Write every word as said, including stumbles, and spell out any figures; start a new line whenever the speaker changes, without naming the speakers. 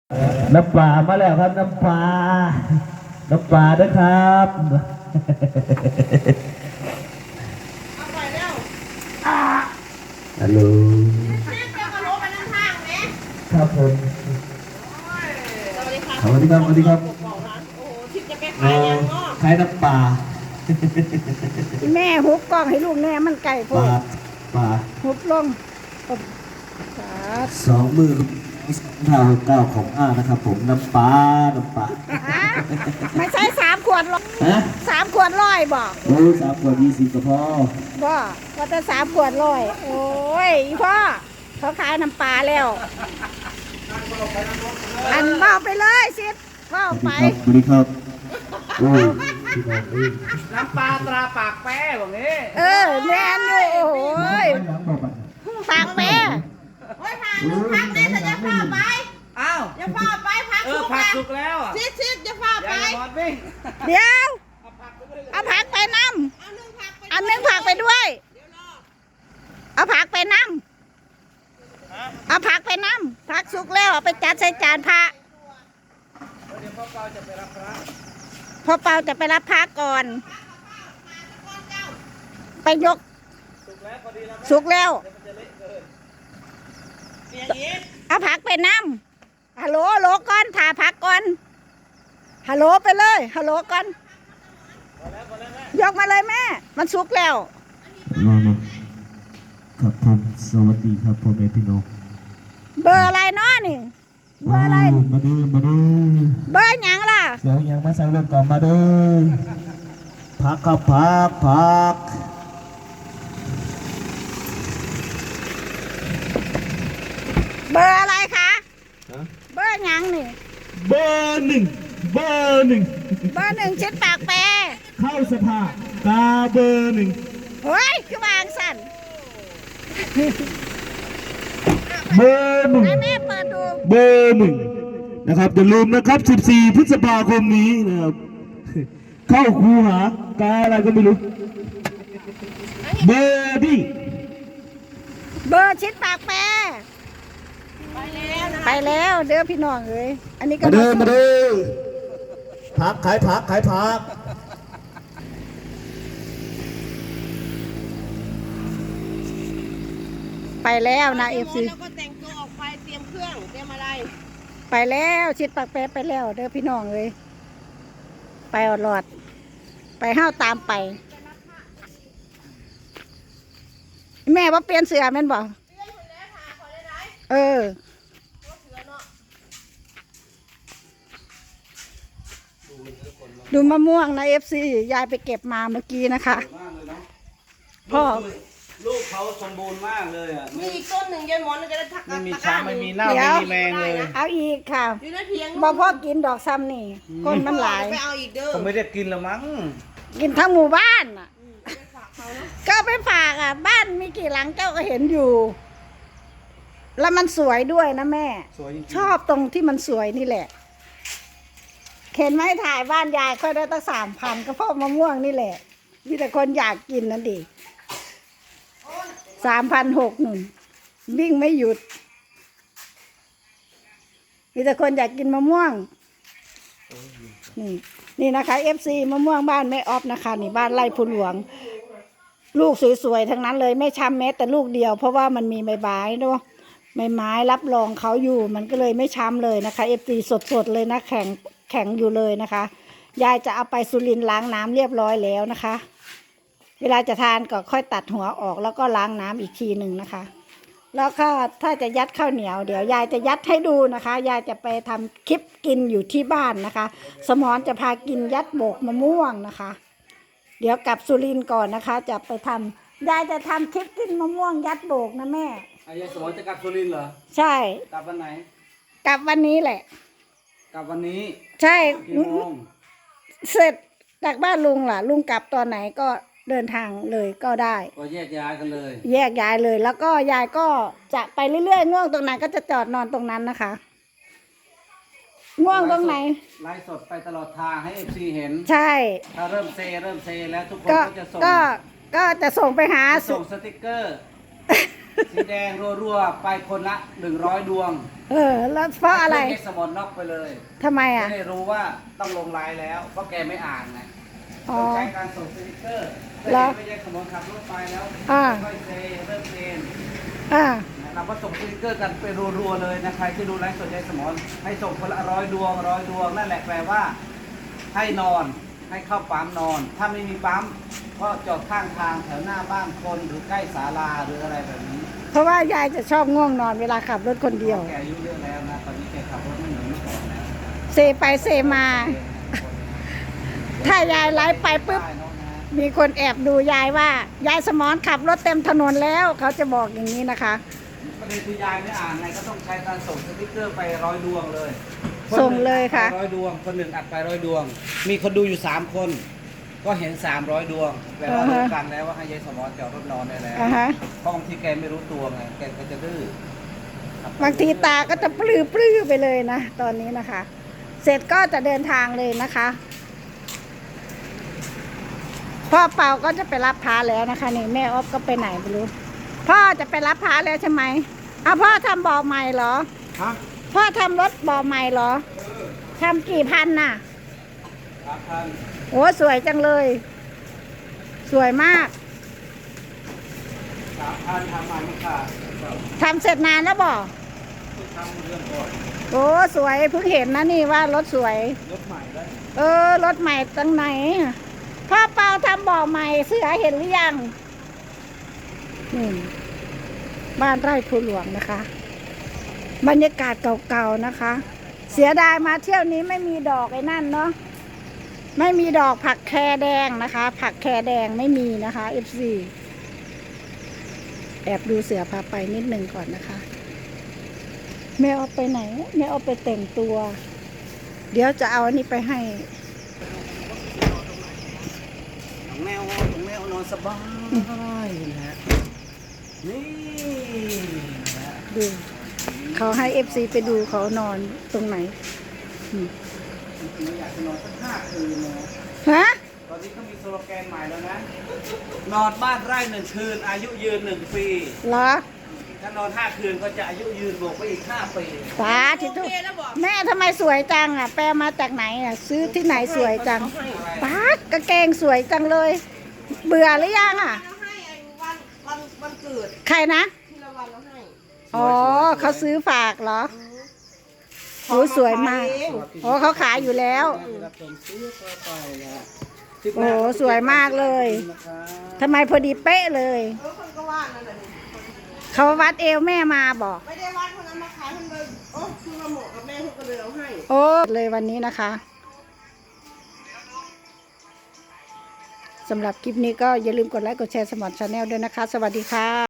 น้ำปลามาแล้วครับน้ำปลาน้ำปลาด้วยครับ
เอาไปแล้ว
ฮัลโหล
เรียกเจ้ากระโหลกไปนั่งทางไหม
ครับผม
สวัสดีครับ
สวัสดีครับสวัสดีครับ
โอ้โหทิพย์จะไปขายยังเนาะ
ขายน้ำปลา
แม่หุบกล้องให้ลูกแม่มันไก่พ
ป
วก
ลาปลา
หุบลง
สองมือเท่าเก้าของอ้านะครับผมน้ำปลาน้ำปลา
ไม่ใช่สามขวดร้อย
ฮะ
สามขวดร้อยบอก
โอ้สามขวดยี่สิบก็พอ
บ่ว่าแต่สามขวดร้อยโอ้ยพ่อเขาขายน้ำปลาแล้วอันเบาไปเลยสิเบาไป
สวัสดีครับโอ้
น้ำปลาตราปากแป้แบบนี้
เออแม่นอยู่โอ้ยปากแม่
โอ้ยพาหนูพักเนี่ยจะพาไป
อ้าว
จะพาไปพัก
เอ
สุ
อก ผักสุกแล้วอ่ะ
ชิดชิดจะพาไป
อย่าหมดวิ่ง
เดี๋ยวเอาผักไปน้
เอาหนึ่งพักไป
ำเอาหนึ่งผักไปด้วยเอาผักไปน้ำเอาผักไปน้ำผักสุกแล้วเอาไปจัดใส่จานพระ
เดี๋ยวพ่อเปาจะไปรับพระ
พ่อเปาจะไปรับพระก่อนไปยก
สุกแล้วพอดีแล้ว
สุกแล้ว
มันจะเละเกิน
เสียงอีก
เอาผักไปน้ำฮัลโหลฮัลโหลก่อนถ่าผักก่อนฮัลโหลไปเลยฮัลโหลก่อนยกมาเลยแม่มันสุกแล้ว
มามาครับผมสวัสดีครับพ่อแม่พี่น้อง
เบอร์อะไรเนาะนี่เบอร์อะไร
มาดูมาดู
เบอร์หยังล่ะ
เสียงยังมาใส่เรื่องก่อนมาดูพักครับพักพัก
เบอร์อะไรคะเบอร์หยังนี่
เบอร์หนึ่งเบอร์หนึ่ง
เบอร์หนึ่งชิดปากแปร
เข้าสภากาเบอร์หนึ่ง
เฮ้ยคือวางสั่น
เบอร์หนึ่ง
แม่เปิดดู
เบอร์หนึ่งนะครับอย่าลืมนะครับสิบสี่พฤษภาคมนี้นะครับเข้าคูหากาอะไรก็ไม่รู้เบอร์ดี้
เบอร์ชิดปากแปร
ไปแล้วนะ
ไปแล้วเด้อพี่น้องเอ้ยอันนี้ก็
มาเดินมาเดินพักขายพักขายพัก
ไปแล้วนะเอฟซี
แล้วก็แต่งตัวออกไปเตรียมเครื่องเตรียมอะไร
ไปแล้วชิดปากแปรไปแล้วเด้อพี่น้องเอ้ยไปอดหลอดไปห้าวตามไปแม่ว่าเปลี่ยนเสื้อแม่นบ่เออดูมะม่วงนะเอฟซียายไปเก็บมาเมื่อกี้นะคะพ่อ
ลูกเขาสมบูรณ์มากเลยอ่ะ
มีอีกต้นหนึ่งยายหมอนจะได้ทัก
ไม่มีช้างไม่มีเน่าไม่มีแมงเลย
เอาอีกค่ะ
อยู่ในเพียง
บ่พ่อกินดอกซ้ำนี่ก้นมันหลาย
ไปเอาอีกเด้อ
ผมไม่ได้กินละมั้ง
กินทั้งหมู่บ้านอ่ะก็ไปฝากอ่ะบ้านมีกี่หลังเจ้าก็เห็นอยู่แล้วมันสวยด้วยนะแม่ชอบตรงที่มันสวยนี่แหละเห็นไหมถ่ายบ้านยายค่อยได้ตั้งสามพันก็เพราะมะม่วงนี่แหละมีแต่คนอยากกินนั่นดิสามพันหกหนึ่งวิ่งไม่หยุดมีแต่คนอยากกินมะม่วงนี่นี่นะคะเอฟซีมะม่วงบ้านแม่ออฟนะคะนี่บ้านไร่ภูหลวงลูกสวยๆทั้งนั้นเลยไม่ช้ำแม้แต่ลูกเดียวเพราะว่ามันมีใบไม้เนาะใบไม้รับรองเขาอยู่มันก็เลยไม่ช้ำเลยนะคะเอฟซีสดๆเลยนะแข็งแข็งอยู่เลยนะคะยายจะเอาไปสุรินทร์ล้างน้ำเรียบร้อยแล้วนะคะเวลาจะทานก็ค่อยตัดหัวออกแล้วก็ล้างน้ำอีกทีหนึ่งนะคะแล้วก็ถ้าจะยัดข้าวเหนียวเดี๋ยวยายจะยัดให้ดูนะคะยายจะไปทำคลิปกินอยู่ที่บ้านนะคะสมรจะพากินยัดโบกมะม่วงนะคะเดี๋ยวกลับสุรินทร์ก่อนนะคะจะไปทำยายจะทำคลิปกินมะม่วงยัดโบกนะแม่
อายายสมรจะกลับสุรินทร์เหรอ
ใช่
กลับวันไหน
กลับวันนี้แหละ
กลับวันนี้
ใช่
กี่โมง
เสร็จจากบ้านลุงล่ะลุงกลับตอนไหนก็เดินทางเลยก็ได้
ก็แยกย้ายกันเลย
แยกย้ายเลยแล้วก็ยายก็จะไปเรื่อยๆง่วงตรงไหนก็จะจอดนอนตรงนั้นนะคะง่วงตรงไหน
ไลฟ์สดไปตลอดทางให้เอฟซีเห็น
ใช่
ถ้าเริ่มเซเริ่มเซแล้วทุกคนก็จะส่ง
ก็ก็จะส่งไปหา
ส่งสติกเกอร์สีแดงรัวๆไปคนละหนึ่งร้อยดวง
เออ แล้วเพราะอะไร
ให้สมอนน็อกไปเลย
ทำไม
จะ
อ่ะ
ได้รู้ว่าต้องลงไลน์แล้ว เพราะแกไม่อ่านไง
อ๋อ
ต้องใช้การส่งสติ๊กเกอร์แต่
เหรอ
ไม่ใช่สมอนขับรถไปแล้ว
อ่า
ค่อยเซเริ่มเซน
อ่า
เราก็ส่งสติ๊กเกอร์กันไปรัวๆเลยนะใครที่ดูไลฟ์สดใจสมอนให้ส่งคนละร้อยดวงร้อยดวงนั่นแหละแปลว่า ให้นอนให้เข้าปั๊มนอน ถ้าไม่มีปั๊มก็จอดข้างทางแถวหน้าบ้านคนหรือใกล้ศาลาหรืออะไรแบบนี้
เพราะว่ายายจะชอบง่วงนอนเวลาขับรถคนเดียว
แกอายุเยอะแล้วนะตอนนี้แกขับรถไม่เหมือนเมื่อก่อนแล้ว
เซไปเซมา ถ้ายายไลฟ์ไปปุ๊บ
ได้เนอะนะ
มีคนแอบดูยายว่า ยายสมอนขับรถเต็มถนนแล้ว เขาจะบอกอย่างนี้นะคะ
ประเด็นคือยายไม่อ่านไงก็ต้องใช้การส่งสติ๊กเกอร์ไปร้อยดวงเลย
ส่งเลยค่ะ
นหนึ่งอัดไปร้อยดวง คนหนึ่งอัดไปร้อยดวง มีคนดูอยู่สามคน ก็เห็นสามร้อยดวงแปลว่ารู้กันแล้วว่าให้ยายสมอนจอดรถนอนได้แล้ว
อ่าฮะ
เพราะบางทีแกไม่รู้ตัวไงแกก็จะดื้อบ
างทีตาก็จะปลื้อปลื้อไปเลยนะ ตอนนี้นะคะ เสร็จก็จะเดินทางเลยนะคะ พ่อเปาก็จะไปรับพาแล้วนะคะนี่แม่ออฟก็ไปไหนไม่รู้ พ่อจะไปรับพาแล้วใช่ไหมอ้าวพ่อทำบ่อใหม่เหรอ
ฮะ
พ่อทำรถบ่อใหม่เหรอทำกี่พันน่ะ
สามพัน
โอ้สวยจังเลย สวยมาก
สามพันทำมันไม่ขาด
ทำเสร็จนานแล้วบ่
ทำเรื่องก่อน
โอ้สวยเพิ่งเห็นนะนี่ว่ารถสวย
รถใหม่ได้
เออรถใหม่ตั้งไหนพ่อเปาทำบ่อใหม่เสือเห็นหรือยังนี่บ้านไร่ภูหลวงนะคะ บรรยากาศเก่าๆนะคะ เสียดายมาเที่ยวนี้ไม่มีดอกไอ้นั่นเนาะไม่มีดอกผักแครแดงนะคะ ผักแครแดงไม่มีนะคะ เอฟ ซี แอบดูเสือพาไปนิดนึงก่อนนะคะแม่เอาไปไหนแม่เอาไปแต่งตัว เดี๋ยวจะเอาอันนี้ไปให้
ของแมวของแมวนอนสบายนะฮะนี่นะฮะ
ดูเขาให้เอฟซีไปดูเขานอนตรงไหนอืม
จริงๆอยากจะนอนสักห้าคืนนะ
ฮะ
ตอนนี้เขามีสโลแกนใหม่แล้วนะ นอนบ้านไร่หนึ่งคืน อายุยืนหนึ่งปี
เหรอ
ถ้านอนห้าคืนก็จะอายุยืนบวกไปอีกห้าปี
สาธิ
โอ
ตุ
เคแล้วบอก
แม่ทำไมสวยจังอ่ะ แปลมาจากไหนอ่ะ ซื้อที่ไหนสวยจังป๊ากางเกงสวยจังเลย เบื่อหรือยังอ่ะ
เราให้ไอ้วันวันวันเกิด
ใครนะ
ที่ละวันเราให้
อ๋อเขาซื้อฝากเหรอโอ้สวยมากอ๋อเขาขายอยู่แล้ว
รับชมซื้อต่อไปนะ
โอ้สวยมากเลยทำไมพอดีเป๊ะเลย
เออคนก็ว่านั่นแหละนี่
เขาวัดเอวแม่มาบอก
ไม่ได้วัดคนนั้นมาขายคนเลยโอ้คือมาเหมาะกับแม่เขาก็เลยเอาให้
โอ้เลยวันนี้นะคะสำหรับคลิปนี้ก็อย่าลืมกดไลค์กดแชร์สมอนชาแนลด้วยนะคะ สวัสดีค่ะ